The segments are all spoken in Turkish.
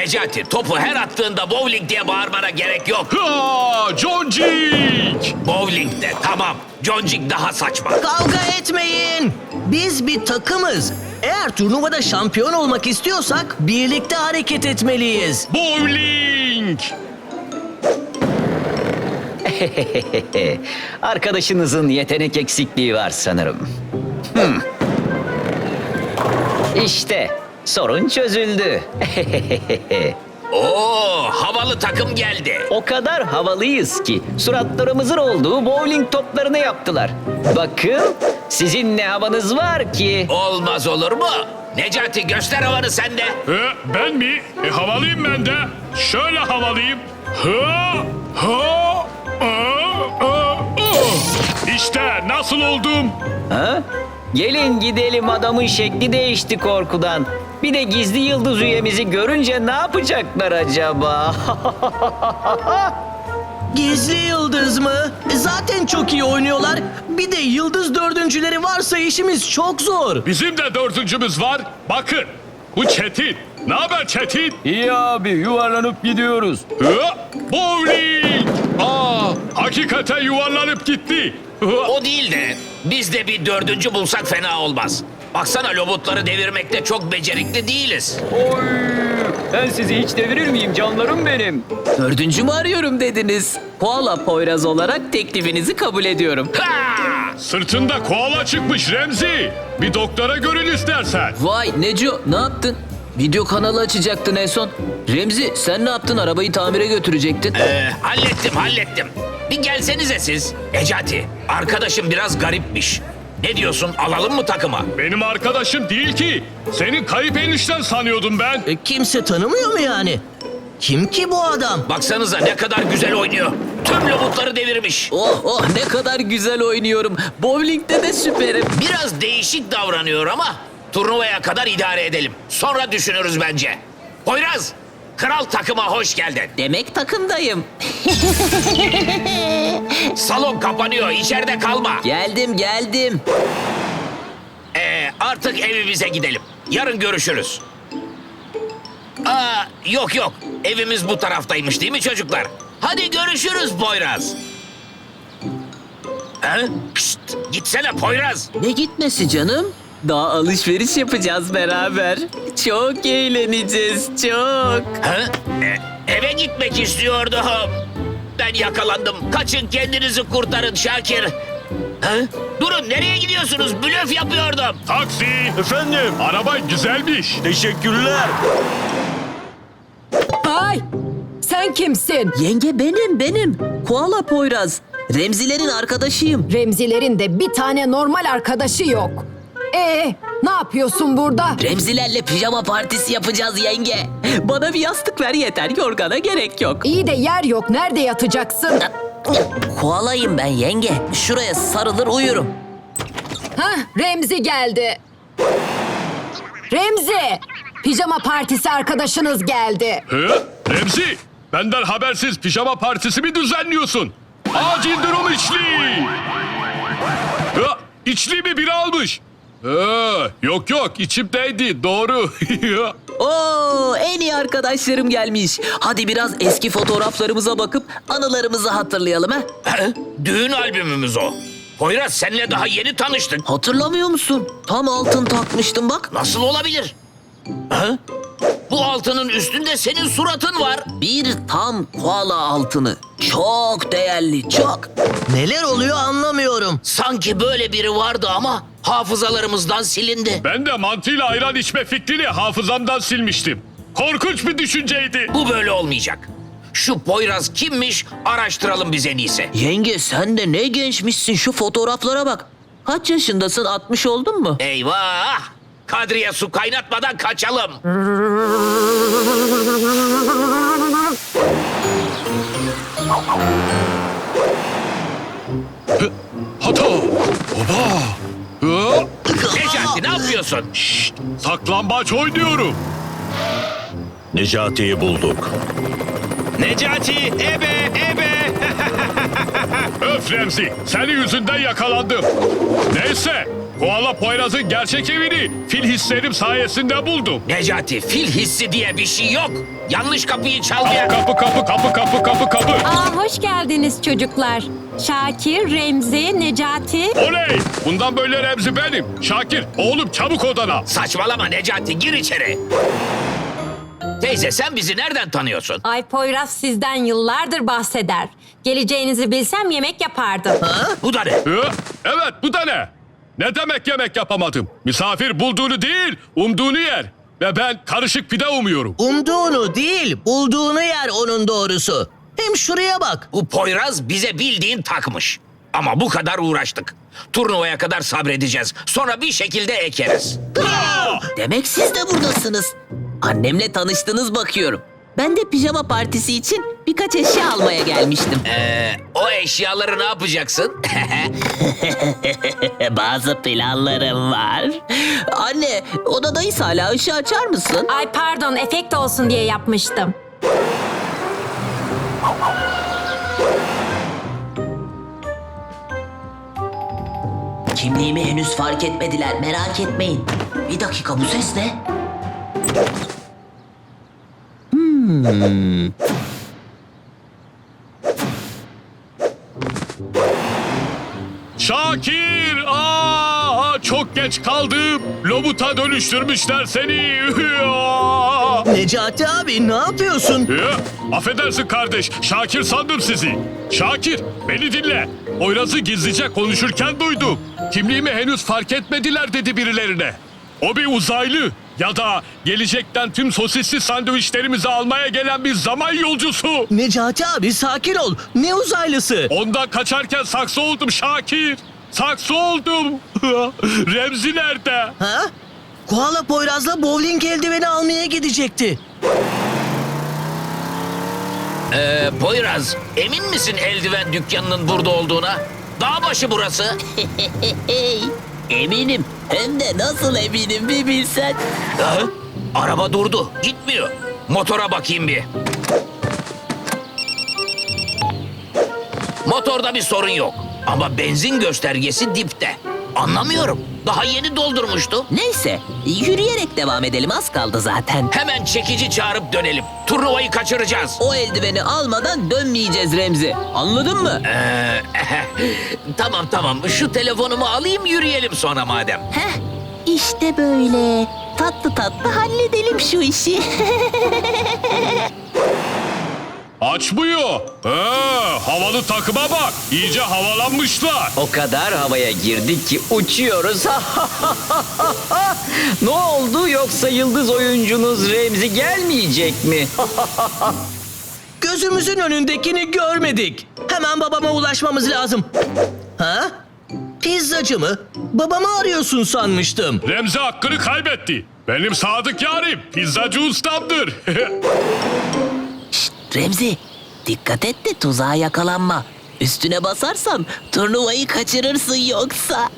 Necati, topu her attığında bowling diye bağırmana gerek yok. Ha, Joncik! Bowling de tamam. Joncik daha saçma. Kavga etmeyin. Biz bir takımız. Eğer turnuvada şampiyon olmak istiyorsak birlikte hareket etmeliyiz. Bowling! Arkadaşınızın yetenek eksikliği var sanırım. İşte sorun çözüldü. Oo, havalı takım geldi. O kadar havalıyız ki suratlarımızın olduğu bowling toplarını yaptılar. Bakın sizin ne havanız var ki. Olmaz olur mu? Necati, göster havanı sen de. Ben mi? Havalıyım ben de. Şöyle havalıyım. Ha, ha, İşte nasıl oldum? Ha? Gelin gidelim, adamın şekli değişti korkudan. Bir de gizli yıldız üyemizi görünce ne yapacaklar acaba? Gizli yıldız mı? Zaten çok iyi oynuyorlar. Bir de yıldız dördüncüleri varsa işimiz çok zor. Bizim de dördüncümüz var. Bakın. Bu Çetin. Ne haber Çetin? İyi abi, yuvarlanıp gidiyoruz. Bowling! Hakikaten yuvarlanıp gitti. O değil de biz de bir dördüncü bulsak fena olmaz. Baksana, lobutları devirmekte çok becerikli değiliz. Oy! Ben sizi hiç devirir miyim canlarım benim? Dördüncü mü arıyorum dediniz? Koala Poyraz olarak teklifinizi kabul ediyorum. Ha! Sırtında koala çıkmış Remzi. Bir doktora görün istersen. Vay Neco, ne yaptın? Video kanalı açacaktın en son. Remzi, sen ne yaptın? Arabayı tamire götürecektin. Hallettim. Bir gelsenize siz. Necati, arkadaşım biraz garipmiş. Ne diyorsun, alalım mı takıma? Benim arkadaşım değil ki. Senin kayıp enişten sanıyordum ben. Kimse tanımıyor mu yani? Kim ki bu adam? Baksanıza ne kadar güzel oynuyor. Tüm lobutları devirmiş. Oh ne kadar güzel oynuyorum. Bowling'de de süperim. Biraz değişik davranıyor ama turnuvaya kadar idare edelim. Sonra düşünürüz bence. Poyraz, kral takıma hoş geldin. Demek takımdayım. Salon kapanıyor, içeride kalma. Geldim. Artık evimize gidelim. Yarın görüşürüz. Yok. Evimiz bu taraftaymış değil mi çocuklar? Hadi görüşürüz Poyraz. Şşt, gitsene Poyraz. Ne gitmesi canım? Daha alışveriş yapacağız beraber. Çok eğleneceğiz, çok. Eve gitmek istiyordum. Ben yakalandım. Kaçın, kendinizi kurtarın Şakir. Durun, nereye gidiyorsunuz? Blöf yapıyordum. Taksi. Efendim? Araba güzelmiş. Teşekkürler. Ay! Sen kimsin? Yenge benim. Koala Poyraz. Remzilerin arkadaşıyım. Remzilerin de bir tane normal arkadaşı yok. Ne yapıyorsun burada? Remzilerle pijama partisi yapacağız yenge. Bana bir yastık ver yeter, yorgana gerek yok. İyi de yer yok. Nerede yatacaksın? Koalayım ben yenge. Şuraya sarılır uyurum. Remzi geldi. Remzi! Pijama partisi arkadaşınız geldi. Remzi, benden habersiz pijama partisi mi düzenliyorsun? Acil durum içli. İçli mi biri almış? Yok içimdeydi doğru. Oo, en iyi arkadaşlarım gelmiş. Hadi biraz eski fotoğraflarımıza bakıp anılarımızı hatırlayalım ha. Düğün albümümüz o. Poyraz, seninle daha yeni tanıştık. Hatırlamıyor musun? Tam altın takmıştım bak. Nasıl olabilir? Bu altının üstünde senin suratın var. Bir tam koala altını. Çok değerli, çok. Neler oluyor anlamıyorum. Sanki böyle biri vardı ama hafızalarımızdan silindi. Ben de mantıyla ayran içme fikrini hafızamdan silmiştim. Korkunç bir düşünceydi. Bu böyle olmayacak. Şu Poyraz kimmiş, araştıralım biz en iyisi. Yenge sen de ne gençmişsin, şu fotoğraflara bak. Kaç yaşındasın, 60 oldun mu? Eyvah! Kadriye, su kaynatmadan kaçalım. Hata! Oba! Necati, ne yapıyorsun? Saklambaç oynuyorum. Necati'yi bulduk. Necati, ebe! Öf Remzi, senin yüzünden yakalandım. Neyse, Koala Poyraz'ın gerçek evini fil hislerim sayesinde buldum. Necati, fil hissi diye bir şey yok. Yanlış kapıyı çalmaya... Kapı. Aa, hoş geldiniz çocuklar. Şakir, Remzi, Necati. Oley! Bundan böyle Remzi benim. Şakir, oğlum çabuk odana. Saçmalama Necati, gir içeri. Teyze, sen bizi nereden tanıyorsun? Ay Poyraz sizden yıllardır bahseder. Geleceğinizi bilsem yemek yapardım. Bu da ne? Evet, bu da ne? Ne demek yemek yapamadım? Misafir bulduğunu değil, umduğunu yer. Ve ben karışık pide umuyorum. Umduğunu değil, bulduğunu yer onun doğrusu. Hem şuraya bak. Bu Poyraz bize bildiğin takmış. Ama bu kadar uğraştık. Turnuvaya kadar sabredeceğiz. Sonra bir şekilde ekeriz. Demek siz de buradasınız. Annemle tanıştınız bakıyorum. Ben de pijama partisi için birkaç eşya almaya gelmiştim. O eşyaları ne yapacaksın? Bazı planlarım var. Anne, odadayız hala. Işığı açar mısın? Ay pardon, efekt olsun diye yapmıştım. Kimliğimi henüz fark etmediler. Merak etmeyin. Bir dakika, bu ses ne? Şakir! Çok geç kaldım. Lobuta dönüştürmüşler seni. Necati abi ne yapıyorsun? Affedersin kardeş. Şakir sandım sizi. Şakir, beni dinle. Poyraz'ı gizlice konuşurken duydum. Kimliğimi henüz fark etmediler dedi birilerine. O bir uzaylı ya da gelecekten tüm sosisli sandviçlerimizi almaya gelen bir zaman yolcusu. Necati abi sakin ol. Ne uzaylısı? Ondan kaçarken saksı oldum Şakir. Saksı oldum. Remzi nerede? Ha? Koala Poyraz'la bowling eldiveni almaya gidecekti. Poyraz, emin misin eldiven dükkanının burada olduğuna? Dağbaşı burası. Eminim. Hem de nasıl eminim bir bilsen. Araba durdu, gitmiyor. Motora bakayım bir. Motorda bir sorun yok. Ama benzin göstergesi dipte. Anlamıyorum. Daha yeni doldurmuştum. Neyse, yürüyerek devam edelim. Az kaldı zaten. Hemen çekici çağırıp dönelim. Turnuvayı kaçıracağız. O eldiveni almadan dönmeyeceğiz Remzi. Anladın mı? Tamam. Şu telefonumu alayım, yürüyelim sonra madem. Heh, işte böyle. Tatlı tatlı halledelim şu işi. Açmıyor. Havalı takıma bak. İyice havalanmışlar. O kadar havaya girdik ki uçuyoruz. Ne oldu, yoksa yıldız oyuncunuz Remzi gelmeyecek mi? Gözümüzün önündekini görmedik. Hemen babama ulaşmamız lazım. Ha? Pizzacı mı? Babamı arıyorsun sanmıştım. Remzi hakkını kaybetti. Benim sadık yarim pizzacı ustamdır. Remzi, dikkat et de tuzağa yakalanma. Üstüne basarsan turnuvayı kaçırırsın yoksa.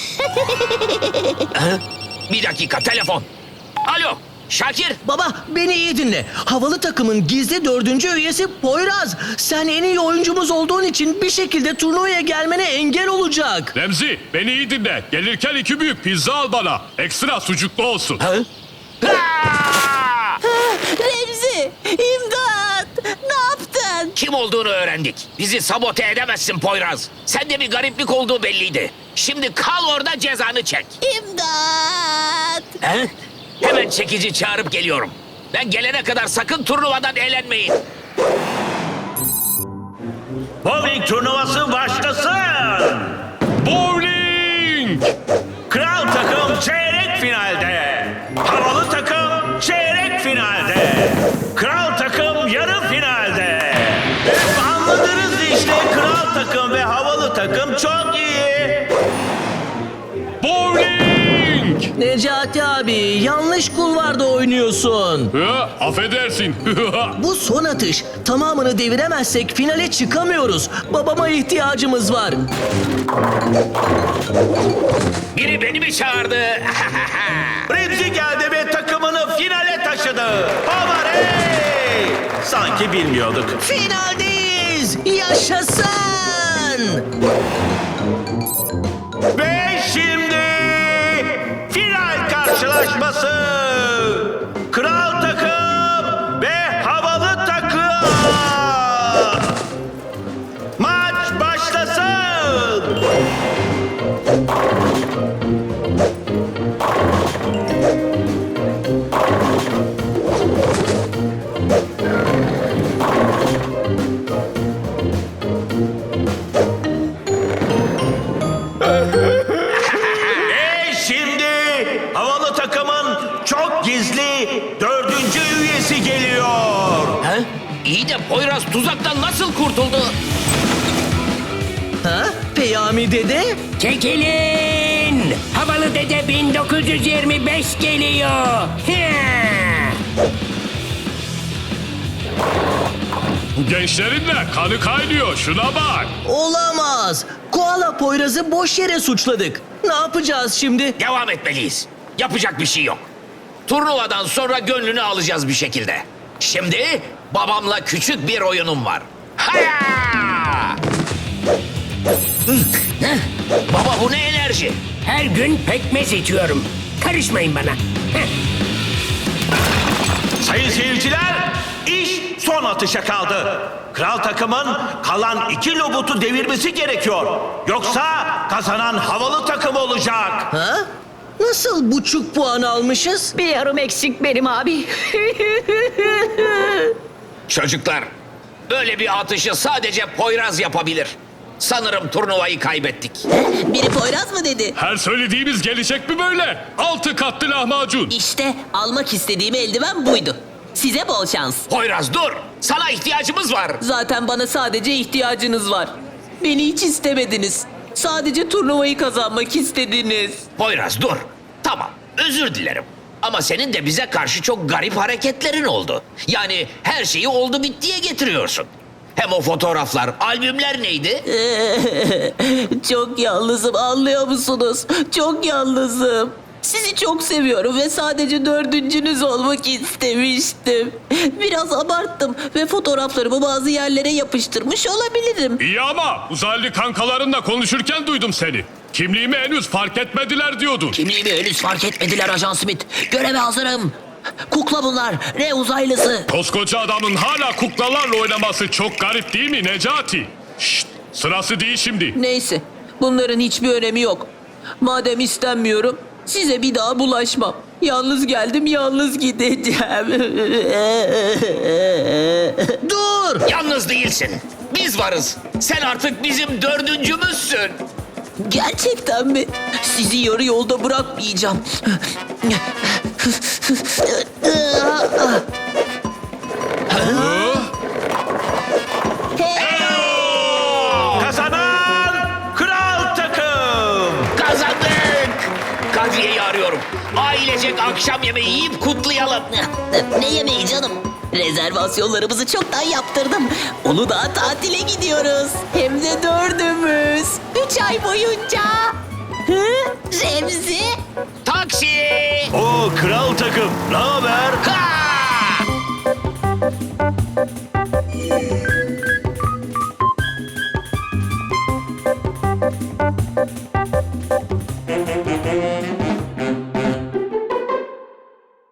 Bir dakika, telefon. Alo, Şakir. Baba beni iyi dinle. Havalı takımın gizli 4. üyesi Poyraz. Sen en iyi oyuncumuz olduğun için bir şekilde turnuvaya gelmene engel olacak. Remzi beni iyi dinle. Gelirken 2 büyük pizza al bana. Ekstra sucuklu olsun. Remzi, imdat! Ne yaptın? Kim olduğunu öğrendik. Bizi sabote edemezsin Poyraz. Sende bir gariplik olduğu belliydi. Şimdi kal orada, cezanı çek. İmdat! Hemen çekici çağırıp geliyorum. Ben gelene kadar sakın turnuvadan eğlenmeyin. Bowling turnuvası başlasın. Bowling! Kral takım çeyrek finalde. Havalı takım çeyrek finalde. Kral takım yarı finalde. Anladınız işte, kral takım ve havalı takım çok iyi. Bowling! Necati abi yanlış kulvarda oynuyorsun. Affedersin. Bu son atış. Tamamını deviremezsek finale çıkamıyoruz. Babama ihtiyacımız var. Biri beni mi çağırdı? Remzi geldi ve takımını finale taşıdı. Havarey! Sanki bilmiyorduk. Finaldeyiz. Yaşasın. Ve şimdi final karşılaşması. Kral takım ve havalı takım. Maç başlasın. Ve şimdi havalı takımın çok gizli 4. üyesi geliyor. He? İyi de Poyraz tuzaktan nasıl kurtuldu? Ha? Peyami dede? Çekilin! Havalı Dede 1925 geliyor. Bu gençlerin de kanı kaynıyor. Şuna bak. Olamaz. Koala Poyraz'ı boş yere suçladık. Ne yapacağız şimdi? Devam etmeliyiz. Yapacak bir şey yok. Turnuvadan sonra gönlünü alacağız bir şekilde. Şimdi babamla küçük bir oyunum var. Haya! Baba bu ne enerji? Her gün pekmez içiyorum. Karışmayın bana. Sayın seyirciler, iş son atışa kaldı. Kral takımın kalan 2 lobutu devirmesi gerekiyor. Yoksa kazanan havalı takım olacak. Ha? Nasıl buçuk puan almışız? Bir yarım eksik benim abi. Çocuklar, böyle bir atışı sadece Poyraz yapabilir. Sanırım turnuvayı kaybettik. Biri Poyraz mı dedi? Her söylediğimiz gelecek mi böyle? 6 katlı lahmacun. İşte almak istediğim eldiven buydu. Size bol şans. Poyraz dur, sana ihtiyacımız var. Zaten bana sadece ihtiyacınız var. Beni hiç istemediniz. Sadece turnuvayı kazanmak istediniz. Poyraz dur. Tamam, özür dilerim. Ama senin de bize karşı çok garip hareketlerin oldu. Yani her şeyi oldu bittiye getiriyorsun. Hem o fotoğraflar, albümler neydi? Çok yalnızım, anlıyor musunuz? Çok yalnızım. Sizi çok seviyorum ve sadece 4.'nüz olmak istemiştim. Biraz abarttım ve fotoğraflarımı bazı yerlere yapıştırmış olabilirim. İyi ama uzaylı kankalarınla konuşurken duydum seni. Kimliğimi henüz fark etmediler diyordun. Kimliğimi henüz fark etmediler Ajan Smith. Göreve hazırım. Kukla bunlar, ne uzaylısı. Koskoca adamın hala kuklalarla oynaması çok garip değil mi Necati? Şşt, sırası değil şimdi. Neyse, bunların hiçbir önemi yok. Madem istenmiyorum, size bir daha bulaşmam. Yalnız geldim, yalnız gideceğim. Dur! Yalnız değilsin. Biz varız. Sen artık bizim 4.'ümüzsün. Gerçekten mi? Sizi yarı yolda bırakmayacağım. Kazanan kral takım. Kazandık. Kadriye'yi arıyorum. Ailecek akşam yemeği yiyip kutlayalım. Ne yemeği canım? Rezervasyonlarımızı çoktan yaptırdım. Uludağ tatile gidiyoruz. Hem de 4'ümüz. 3 ay boyunca. Hı? Remzi? Taksi. O kral takım. Ne haber? Ha!